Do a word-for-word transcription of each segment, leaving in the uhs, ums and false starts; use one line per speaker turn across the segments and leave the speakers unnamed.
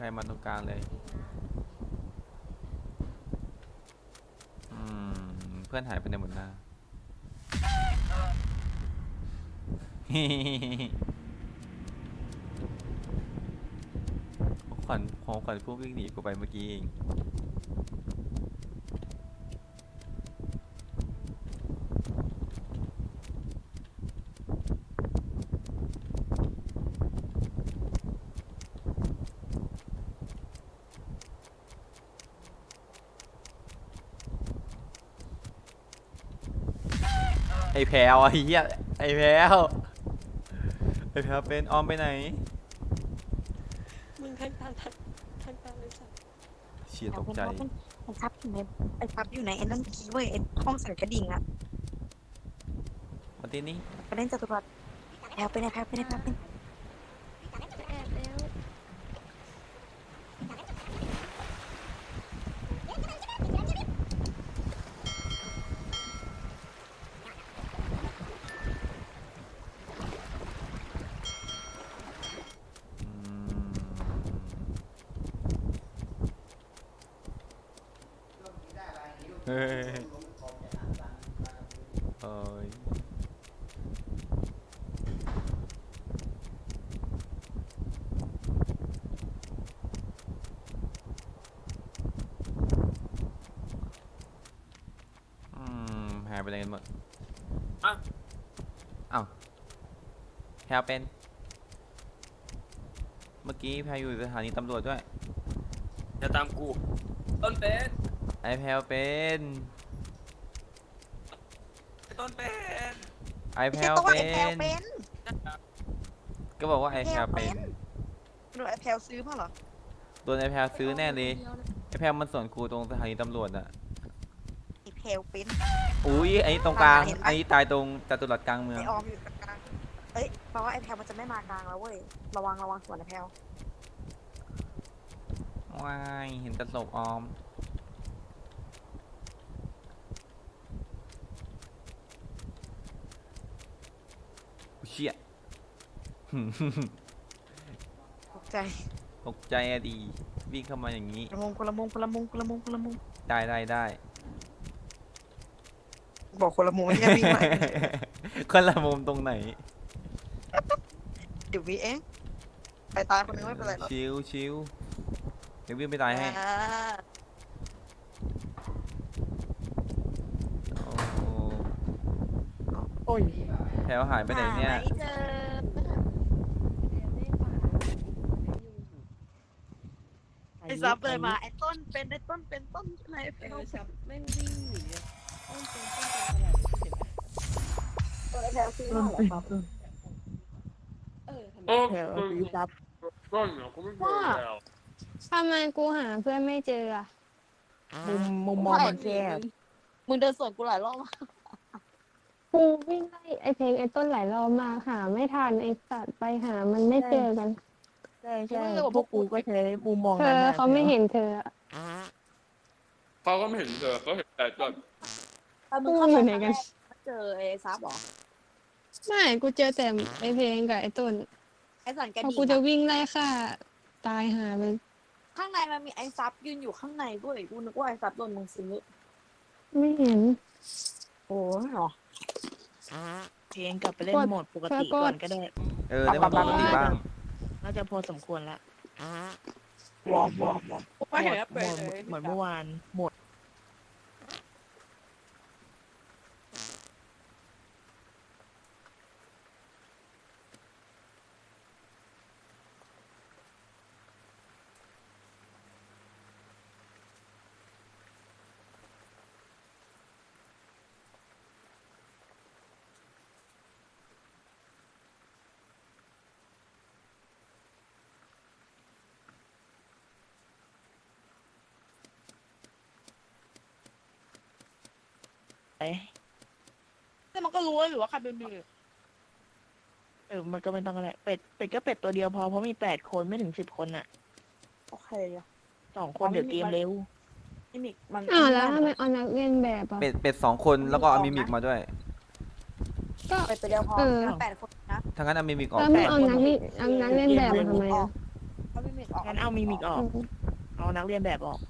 รมาตรงกลางเลยอืมเพื่อนหายไปในหมดหน้าของขวัญของขวัญพวกวิ่งหนีกูไปเมื่อกี้เองไอ้แพลวไอ้เหี้ยไอ้แพลวไอ้แพลวเป็นออมไปไหน
มึงทันทันทันทันทันเลยสัตว์
เฉียตกใจ
ไอ้ซับอยู่ในไอ้ซับอยู่ในไอ้นั่นคีเว้ยไอ้ห้องใส่กระดิ่งอะ
วันที่นี้
ไปเล่นจตุรัสแพลวไปไหนแพลวไปไหนแพลวไปไหน
จะแอบแล้ว
เฮ้ยเอ้ยอืมหายไปไหนกันหมดอ้าวอ้าวแพลวเป็น เมื่อกี้แพลวอยู่สถานีตำรวจด้วย
จะตามกู ต้นเป็น
ไอแพลวเป็น
ต้นเป็น
ไอแพ
ไม่
ล
ใช่
ว
ตัว
เป็
ไอ้แพลวน เป็น
ก็บอกว่าไอแพลวเป็น
หรือไอ้แพลวซื้อมาเหรอ
โดนไอแพลวซื้อแน่เลยไอแพลวมันสวนกูตรงสถานีตำรวจอะ
ไอ้แพลวเป็น
อุ้ยไอตรงกลาง
เห็นไหม
ไอตายตรงจตุรัสกลางเมือง
ไอ้ออมอยู่กลางเอ้ยแปลว่าไอ้แพลวมันจะไม่มากลางแล้วเว้ยระวังระวังสวนไอ้แพลว
ว้ายเห็นแตะศพออมอุ๊ยเชี่ย
ตกใจ
ตกใจอะดีวิ่งเข้ามาอย่างนี้
คนละมุมคนละมุมคนละมุมคนละมุมคนละมุม
ได้ได้ได้
บอกคนละมุมไม่ใช่วิ่งไป
คนละมุมตรงไหน
เดี๋ยววีเองไปตายคนนึงไม่เป็นไรหรอก
ชิวชิวเดี๋ยววิ่งไปตายให้
อ่า
โอ้โห
โอ้ย
แถวหายไปไหนเนี่ย
หาไม่เจอ
แอบได้ป่าอยู่
ไอ้ซับเลยมาไอ้ต้นเป็นไอ้ต้นเป็นต้นอะไร
เอ
แพลว
อชับแม่งวิ่งหนีอะต้นเป็นต้นเป็นตลาดเห็นไหม
ตัวไอ้แพลวซื้อมาเหรอครับ
เออทำไม
โอ้
แพลวซื้อซับ
ต้นเนี่ยเขาไม่เจอแล้ว
ทำไมกูหาเพื่อนไม่เจออะ
มุมมุมมองมันแคบมึงเดินสวนกูหลายรอบมาก
กูวิ่งไล่ไอเพลงไอต้นหลายรอบมาหาไม่ทันไอสัตว์ไปหามันไม่เจอกัน
ใช่ใช่พวกกูก็ใช้มุมมอง
เธ
นั้น
อ
นะ
เขาไม่เห็นเธออะ
เขาก็ไม่เห็นเจอเขาเห็นแต่ต้น
กูอยู่ไหนกัน
เจอไอ้ซับหรอ
ไม่กูเจอแต่ไอเพลงกับไอต้น
ไอ้สันกระ
พอ
ดิ่
กูจะ
ง
วิ่งไล่ฆ่าตายหาไป
ข้างในมันมีไอ้ซับยืนอยู่ข้างในด้วยกูนึกว่าไอ้ซับโดนมึงซื้อ
ไม่เห็น
โอ้ยหรอ
เพลงกลับไปเล่นโหมดปกติก่อนก็ได้
เออได้มาปกติบ้าง
น่าจะพอสมควรละ
วอร์มวอร์มวอร์ม
ไม่เห็น
โห
แล้ว
ม
เป็น
ด
เลย
เหมือนเมื่อวานโหมด
แต่มันก็รู้แล้วอยู่ว่าใครเป็นมือ
เออมันก็ไม่ต้องอะไรเป็ดเป็ดก็เป็ดตัวเดียวพอเพราะมีแปดคนไม่ถึงสิบคนอ่ะ
โอเคอะ
สองคนเดี๋ยวเกมเร็ว
นี่มิกมัน
อ้าวแล้วทำไมเอานักเรียนแบบอะ
เป็ดเป็ดสองคนแล้วก็เอามิมิกมาด้วย
ก็
ไปตัวเดียวพอ
เออ
แปดคนนะ
ทั้างนั้นเอามิมิกออก
แล้วมึงเอานักนี่เอานักเรียนแบบมาทำไมอะ
เขาไม่มิกออก
งั้นเอามิมิกออก เอานักเรียนแบบออก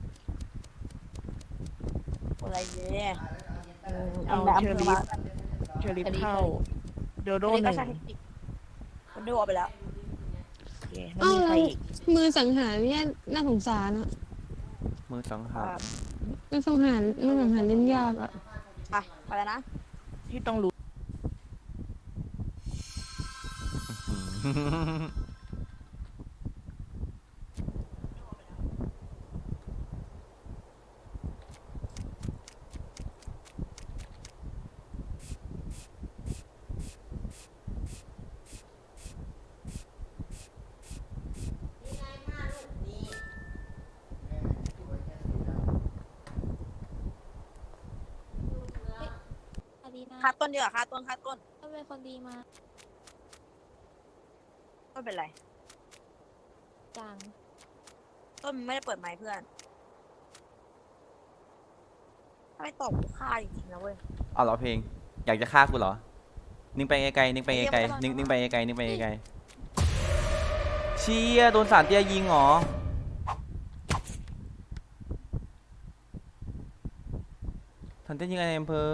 อะไรเนี่ย
เอาเชอร์ลิฟเชอร์ลิฟเข้า โดโด
โดน
ห
ก็
นึ่ง
ใช้เทคนิคมันดูออกไปแล้ว
โอเคแล้ว
เอ้า
มีใคร
แล้ว
อีก
มือสังหารเนี่ยน่าสงสารอะ
มือสังหาร
มือสังหารมือสังหารเล่นยากอะ
ไปไปแล้วนะ
ที่ต้องรู้
ดีนะ
ค่าต้นเดียวค่าต้นค่าต้น
ก็เป็นคนดีมา
ต้นเป็นไร
จัง
ต้นมึงไม่ได้เปิดไมค์เพื่อนถ้าไม่ตอบกูฆ่าจริงๆนะเว้ย
เอาเหรอเพลง อยากจะฆ่ากูเหรอ นิ่งไปไกลๆนิ่งไปไกลๆนิ่งนิ่งไปไกลๆนิ่งไปไกลๆเชี่ยโดนสารเตี้ยยิงเหรอ สารเตี้ยยิงอะไรในอำเภอ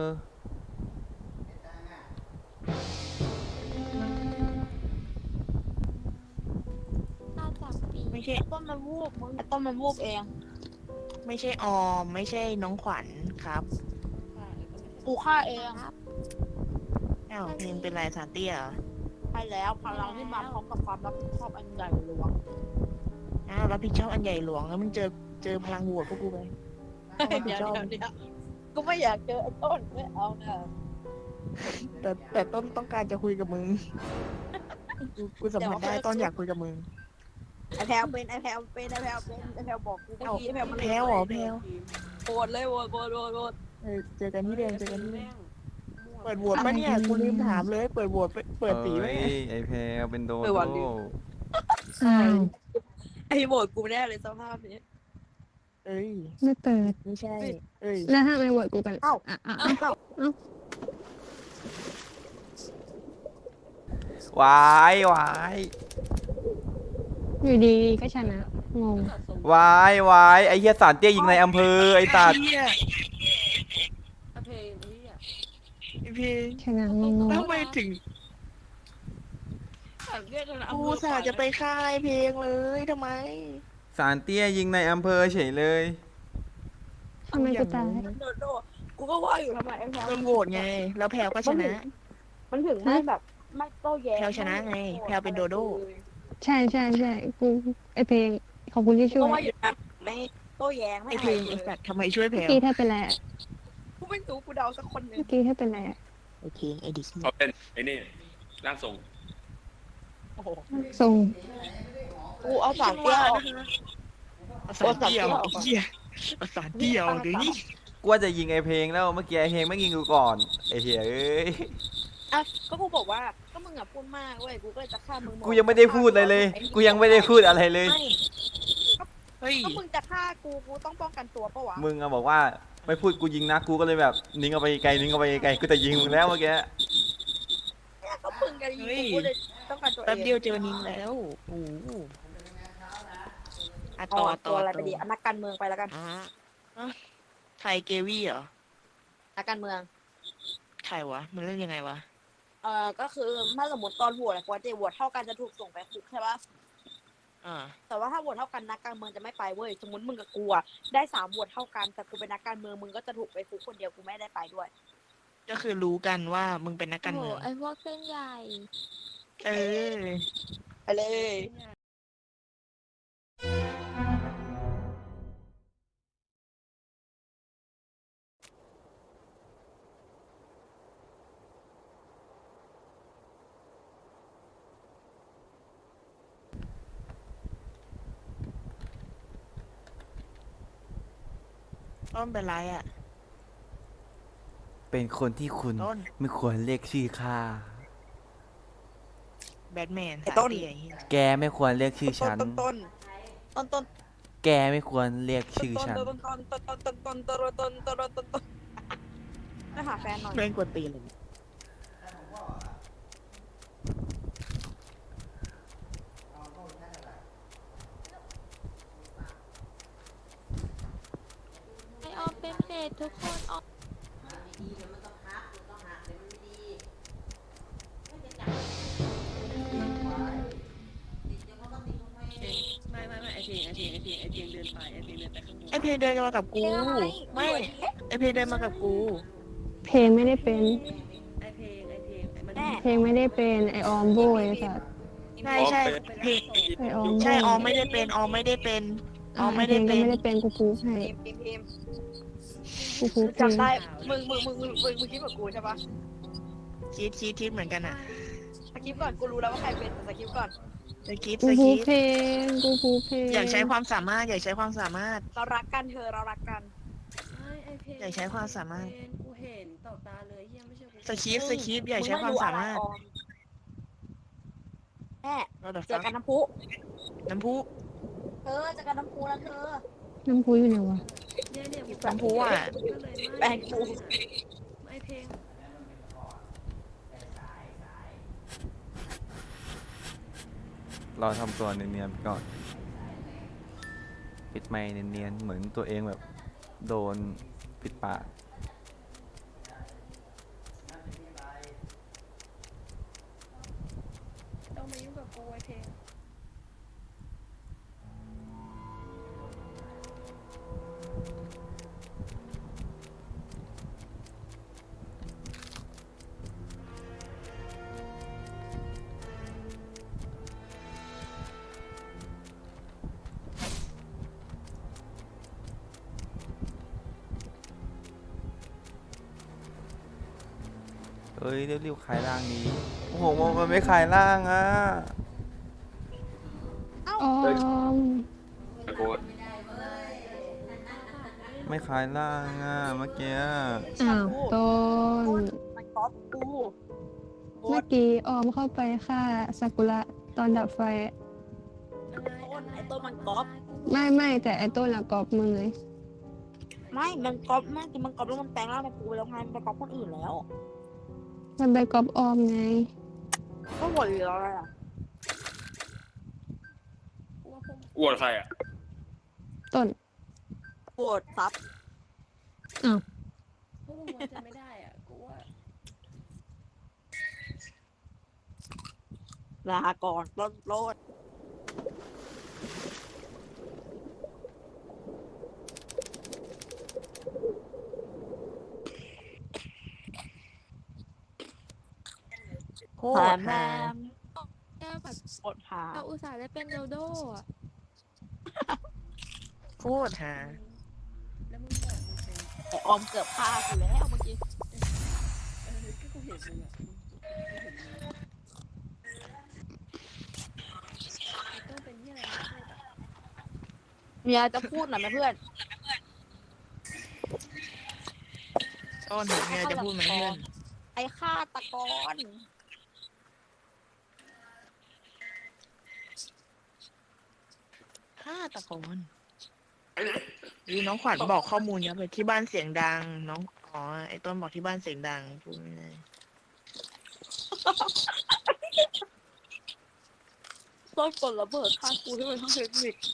น่าจับปี
ไม่ใช่
ต้นมันวูบมึงไอ้ต้นมันวูบเอง
ไม่ใช่ออม ไม่ใช่น้องขวัญครับ
กูฆ่าเอง
อ้าวเพลงเป็นไรสารเตี้ยเหรอ
ไปแล้วพลังที่มาพร้อมกับความรับผิดชอบอันใหญ่หลวง
อ้าวรับผิดชอบอันใหญ่หลวงแล้วมึงเจอเจอพลังโหวตพวกกูไปรับผิ
เดี๋
ด
ยว
ชอบ
เดี๋ยวเดี๋ยวกูไม่อยากเจอไอ้ต้นไม่เอานะ
แต่แต่ต้นต้องการจะคุยกับมึง กูกูสัมผัสได้ต้นอยากคุยกับมึง
ไอ้แพลวเป็นไอ้แพลวเป็นไอ้แพลวเป็นไอ้แพลวบอกกูเมื่อ
เอ้า
กี้ไอ้แพลวมัน
แพ้วเหรอแพ้ว
โกรธเลยโกรธโกรธโกรธโกรธ
เออเจอกันที่เดิมเจอกันที่เดิมเปิดโหวตปะเนี่ยกูลืมถามเลย เปิดโหวตเปิดสีไหม
เอ้ยไอเพลเป็นโดโด
อ้าว
ไอ้โบดกูแน่เลยสภาพนี้
เอ้ย
ไม่เปิด
ไม่ใช่ เอ้ย
แล้วทำไมโหวตกูกัน
เอ้า
อ่ะอ่ะ
เอ้า
วายวาย
อยู่ดีก็ชนะงง
วายวายไอเฮียสารเตี้ยยิงในอำเภอไอตัด
เหี้ย
เพลงนี้อ่ะ
ไอ้เพลง
ชนะงง
แล้วทำไมถึง
เรียกกันนะ
กูสาจะไปค่ายเพลงเลยทำไม
สารเตี้ยยิงในอำเภอเฉยเลย
ทำไมกูตาย
โดนโดนกูก็ว่าอยู่ทำไมไอ้แพลว
โดนโหวตไง แล้วแพลวก็ชนะ
มันถึงไม่แบบไม่โต้แย้ง
แพลวชนะไงแพลวเป็นโดโด้
ใช่ใช่ใช่กูไอเพลงขอบคุณที่
กู
ช่ว
ก็ว่าย อยู่นะไม่โต้แย้งไม่
ไอเพลงไอสัตว์ทำไมช่วยแพล
เมื่อ
ว
กี้ถ้าเป็นไรอะ
กูไม่รู้กูเดาสักคนหนึ่ง
เมื่อกี้ถ้าเป็นไรอะ
ไอเพลงไอดิส
เขาเป็นไอ้นี่ร่างทรง
โอ้โห
ทรง
กูเอาสามเตี้ยออก
ประสานเดียวไอ้เหี้ยประสานเดียวเดี๋ยวนี้
กูว่าจะยิงไอเพลงแล้วเมื่อกี้ไอเพลงไม่ยิงกูก่อนไอเฮียเอ้ย
อ่ะก็กูบอกว่าก็มึงอ่ะพูดมากเว้ยกูก็เลยจะฆ่ามึงหด
กูยังไม่ได้พูดอะไรเลย กูยังไม่ได้พูดอะไรเลย
ไม่
เฮ้ย
ก็มึงจะฆ่ากูกูต้องป้องกันตัวปะวะ
มึงอะบอกว่าไม่พูดกูยิงนะกูก็เลยแบบนิ่งเอาไปไกลนิ่งเอาไปไกลกูจะยิงมึงแล้วเมื่อกี้
เนี่ยก็มึงกันยิงกูกูเลยต้องการตัวเอง
แป๊บเดียวเจอนินแล้วโอ้โหอ่ะ
ต่
ต่
อ
อ
ตั
ต่อ
วอะไร
ต่
ไปดีอ่ะนักการเมืองไปแล้วกัน
อ่ะอ่ะไทยเกวี่เหรอ
นักการเมือง
ใครวะ มันเล่นยังไงวะ
เอ่อก็คือถ้าสมมติตอนโหวตอะปกติโหวตเท่ากันจะถูกส่งไปคุกใช่ปะ
อ่า
แต่ว่าถ้าโหวตเท่ากันนักการเมืองจะไม่ไปเว้ยสมมติมึงกับกูอะได้สามโหวตเท่ากันแต่กูเป็นนักการเมืองมึงก็จะถูกไปคุกคนเดียวกูไม่ได้ไปด้วย
ก็คือรู้กันว่ามึงเป็นนัก
โอ้
การ
โห
เมือง
ไอพวกเส้นใหญ่
เออ
ไปเลย
ต้นเป็นไรอ่ะ
เป็นคนที่คุณ
ต้น
ไม่ควรเรียกชื่อข้า
แบทแมน
ไอ้ต้น
สายเตี้ยไอ้เหี้ย
แกไม่ควรเรียกชื่อ
ต้
ฉั
น
น
ต้นต้นต้นต้น
แกไม่ควรเรียกชื่อฉัน
ต้นต้นต้นต้นต้นต้นต้นต้นต้นต้นต้นต้นไปหาแฟนหน่อย
แม่งกวนตีนเลย
ตทุกคนออก
ไม่ไม่ไม่ไอเพลงไอเพลงไอเพลงไอเพลงเดินไปไอเพลงเดินไปข้างบน
ไอเพลงเดินมากับกู ไม่ไอเพลงเดินมากับกู
เพลงไม่ได้เป็น
ไอเพลงไอเพลงไอมัน
แม่
เพลงไม่ได้เป็นไอออมโบยไอ้สัตว์
ใช่ใช่เพลง
ไอออมโบย
ใช่ออมไม่ได้เป็นออมไม่ได้เป็นออม
ไอ
ไม่
เพล
ได้
งก็
เป็น
ไม่ได้เป็นกูพูให้
พิมพ์พิมพ์พิมพ์
กูพูเพลง
จำได้มึงมึงมึงมึงมึงมึงคิดเหมือนกูใช่ปะ
คิดคิดคิดเหมือนกันอ่ะ
สคริปต์ก่อนกูรู้แล้วว่าใครเป็นแต่สคริปต์ก่อน
สคิป
กู
ส
พู
คิป
เพลงกูพูเพลง
อยากใช้ความสามารถอยากใช้ความสามารถ
เรารักกันเธอเรารักกัน
ไม่ไอเพลง
อยากใช้ความสามารถ
เพลงกูเห็นต่อตาเลยเฮียไม่ใช่กู
สคิปสคิปอยากใช้ความสามารถ
งไอออแม่
เราเดี๋ยว
เจอ
ฟัง
กันน้ำพุ
น้ำพุ
เธอเจอกันน้ำพุนะเธอ
น้ำพุอยู่ไหนวะ
เนี่ยเนี่ยกู
น้ำพุอ่ะ
ก็เลย
แปล
ไม่
งกู
ไอเพลง
รอทำตัวเนียนๆไปก่อน ปิดไมค์เนียนๆเหมือนตัวเองแบบโดนปิดปาก
ต้องมายุ่งกับกูไอเพลง
เอ้ยเรียวๆคลายร่างนี้ โอ้โหมันไม่คลายร่างอ่ะ
ออม
ไอ้โคตร
ไม่คลายร่างอ่ะเมื่อกี้
อ้าวต้น
มันก๊อปกูโค
เมื่อ
ตร
กี้ออมเข้าไปฆ่าซากุระตอนดับไฟ
ต้นไอ้ต้นมันก๊อป
ไม่ไม่แต่ไอต้นละกอบมึงเลย
ไม่มันก๊อปแม่งคือมันก๊อปแล้วมันแปลงร่างเป็นกูไปแล้วไงมันไปก๊อปคนอื่นแล้ว
มันไปกอบออมไง
ก็หมดเลยอะไรอ่ะ
กูว่าพวก
อวดใครอ่ะ
ต้น
โกรธซับ
พวกมึงไว้ใจไม่ได้อ่ะกูว่า
ลาก่อนต้นโลด
โค
แถ
ต
ม
ร
แม
ฮา
ม
แก้วแบบ
กดหา
เราอุตส่าห์ได้เป็นโดโดอ่ะ
โคตรฮา
แล้วมึงบอกมึงเป็น
แต่ออมเกือบฆ่ากูแล้วเมื่อกี้
เออก็กูเห็นมึงอ่ะไอต้นเป็นที่อะไรไม่พูดอ่ะ
เมียจะพูดหน่อยไหมเพื่อน
ต้นเนี่ยจะพูดไหมเพื่อน
ไอ้ฆาตกร
ฆาตกรดูน้องขวัญบอกข้อมูลเยอะไปที่บ้านเสียงดัง น้องอ๋อไอ้ต้นบอกที่บ้านเสียงดังพูดไม่ได้
ต้นกดระเบิดฆ่ากูที่มันทั้งเทคนิค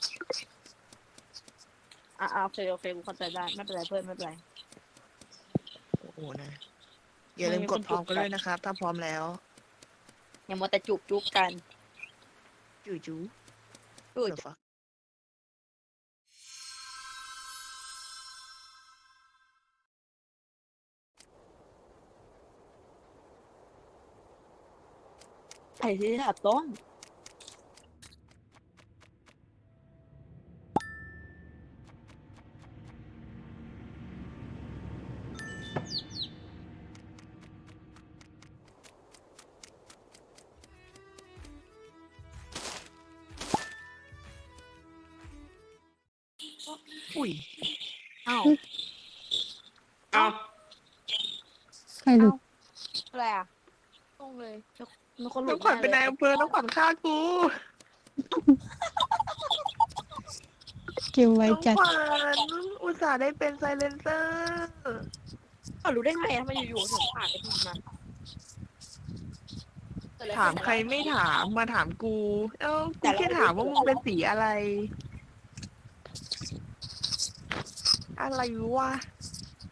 อ่ะอ่ะโอเคโอเคกูเข้าใจได้ไม่เป็นไรเพื่อนไม่เป็นไร
โอ้โหนะอย่าลืมกดพร้อมกันด้วยนะครับ ถ้าพร้อมแล้ว
อย่ามัวแต่จุบจุบกัน
จู่จู
จุบ
เดี๋ยวฟัก
ไอ้ที่แบบต้น
อุ้ย
อ้าว
เอ้า
ใครหลุด
อะไรอ่ะ
ตรงเลย
มีคนหลุ
น้อ
ด
งขวัญเป็น
แ
นายอำเภอน้องขวัญฆ่ากู
เกมไว้
น้อง
จัด
ขวัญอุตส่าห์ได้เป็นไซเลนเซอร์
เขารู้ได้ไงทำไมอยู่ๆถึงผ่านไปทีนั้นเกิดอะไร
ถาม
ขึ้น
ใครไม่ถามมาถามกู เอ้ากูแค่ถามว่ามึงเป็นสีอะไร อะไรวะ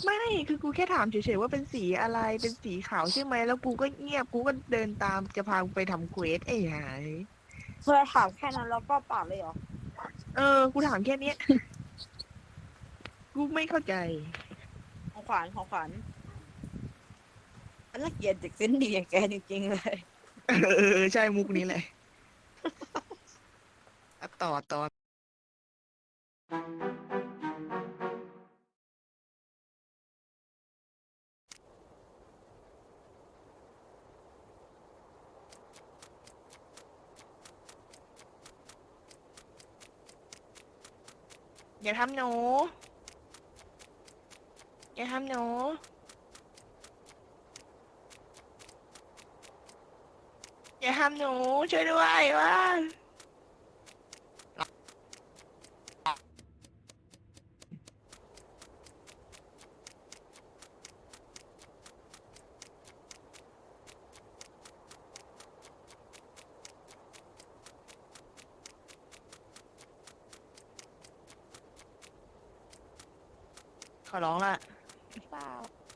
ไม่คือกูแค่ถามเฉยๆว่าเป็นสีอะไรเป็นสีขาวใช่ไหมแล้วกูก็เงียบกูก็เดินตามจะพากูไปทำเควสไอ้หาย
เพื่อถามแค่นั้นแล้วก็ปากเลยเหรอ
เออกูถามแค่เนี้ย กูไม่เข้าใจ
ของขวัญของขวัญอันละเกียดเด็กเส้นดีอย่างแกจริงๆเลย
เออใช่มุกนี้เลยอ่ะต่อต่ออย่าทำหนูอย่าทำหนูอย่าทำหนูช่วยด้วยว่า ขอร้องละ
เปล่า